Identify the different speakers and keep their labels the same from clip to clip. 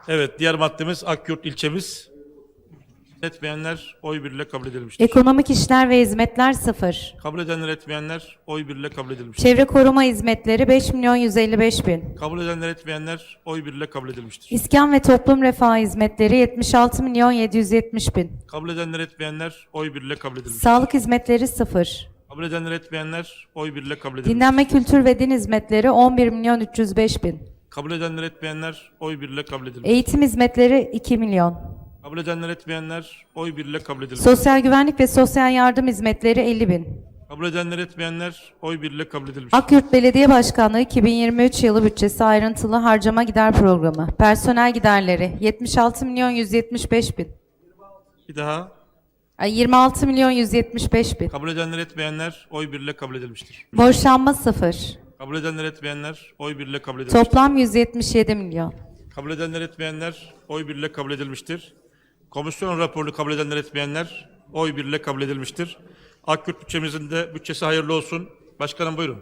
Speaker 1: Evet, diğer maddemiz Akyurt ilçemiz. Etmeyenler oy birliğiyle kabul edilmiştir.
Speaker 2: Ekonomik işler ve hizmetler 0.
Speaker 1: Kabul edenler etmeyenler oy birliğiyle kabul edilmiştir.
Speaker 2: Çevre koruma hizmetleri 5.155.000.
Speaker 1: Kabul edenler etmeyenler oy birliğiyle kabul edilmiştir.
Speaker 2: İskan ve toplum refahı hizmetleri 76.770.000.
Speaker 1: Kabul edenler etmeyenler oy birliğiyle kabul edilmiştir.
Speaker 2: Sağlık hizmetleri 0.
Speaker 1: Kabul edenler etmeyenler oy birliğiyle kabul edilmiştir.
Speaker 2: Dinlenme, kültür ve din hizmetleri 11.305.000.
Speaker 1: Kabul edenler etmeyenler oy birliğiyle kabul edilmiştir.
Speaker 2: Eğitim hizmetleri 2 milyon.
Speaker 1: Kabul edenler etmeyenler oy birliğiyle kabul edilmiştir.
Speaker 2: Sosyal güvenlik ve sosyal yardım hizmetleri 50.000.
Speaker 1: Kabul edenler etmeyenler oy birliğiyle kabul edilmiştir.
Speaker 2: Akyurt Belediye Başkanlığı 2023 yılı bütçesi ayrıntılı harcama gider programı. Personel giderleri 76.175.000.
Speaker 1: Bir daha.
Speaker 2: 26.175.000.
Speaker 1: Kabul edenler etmeyenler oy birliğiyle kabul edilmiştir.
Speaker 2: Borçlanma 0.
Speaker 1: Kabul edenler etmeyenler oy birliğiyle kabul edilmiştir.
Speaker 2: Toplam 177 milyon.
Speaker 1: Kabul edenler etmeyenler oy birliğiyle kabul edilmiştir. Komisyon raporunu kabul edenler etmeyenler oy birliğiyle kabul edilmiştir. Akyurt bütçemizin de bütçesi hayırlı olsun. Başkanım buyurun.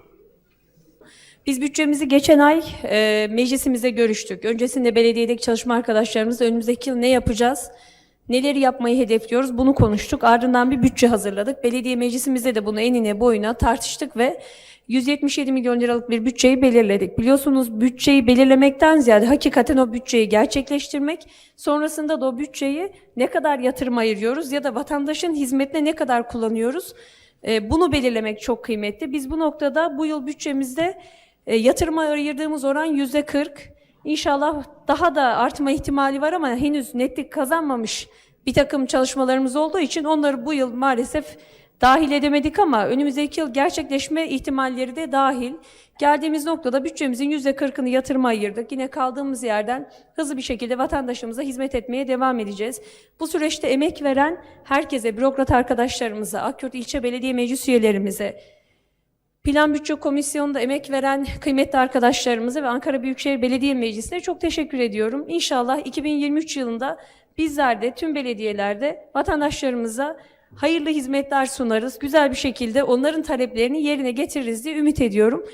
Speaker 3: Biz bütçemizi geçen ay meclisimizde görüştük. Öncesinde belediyedeki çalışma arkadaşlarımızla önümüzdeki yıl ne yapacağız, neleri yapmayı hedefliyoruz bunu konuştuk. Ardından bir bütçe hazırladık. Belediye meclisimizde de bunu enine boyuna tartıştık ve 177 milyon liralık bir bütçeyi belirledik. Biliyorsunuz bütçeyi belirlemekten ziyade hakikaten o bütçeyi gerçekleştirmek, sonrasında da o bütçeyi ne kadar yatırım ayırıyoruz ya da vatandaşın hizmetine ne kadar kullanıyoruz, bunu belirlemek çok kıymetli. Biz bu noktada bu yıl bütçemizde yatırıma ayırdığımız oran %40. İnşallah daha da artma ihtimali var ama henüz netlik kazanmamış bir takım çalışmalarımız olduğu için onları bu yıl maalesef dahil edemedik ama önümüzdeki yıl gerçekleşme ihtimalleri de dahil. Geldiğimiz noktada bütçemizin %40'ını yatırıma ayırdık. Yine kaldığımız yerden hızlı bir şekilde vatandaşımıza hizmet etmeye devam edeceğiz. Bu süreçte emek veren herkese, bürokrat arkadaşlarımıza, Akyurt İlçe Belediye Meclis üyelerimize, Plan Bütçe Komisyonu'nda emek veren kıymetli arkadaşlarımıza ve Ankara Büyükşehir Belediye Meclisi'ne çok teşekkür ediyorum. İnşallah 2023 yılında bizler de tüm belediyelerde vatandaşlarımıza hayırlı hizmetler sunarız. Güzel bir şekilde onların taleplerini yerine getiririz diye ümit ediyorum.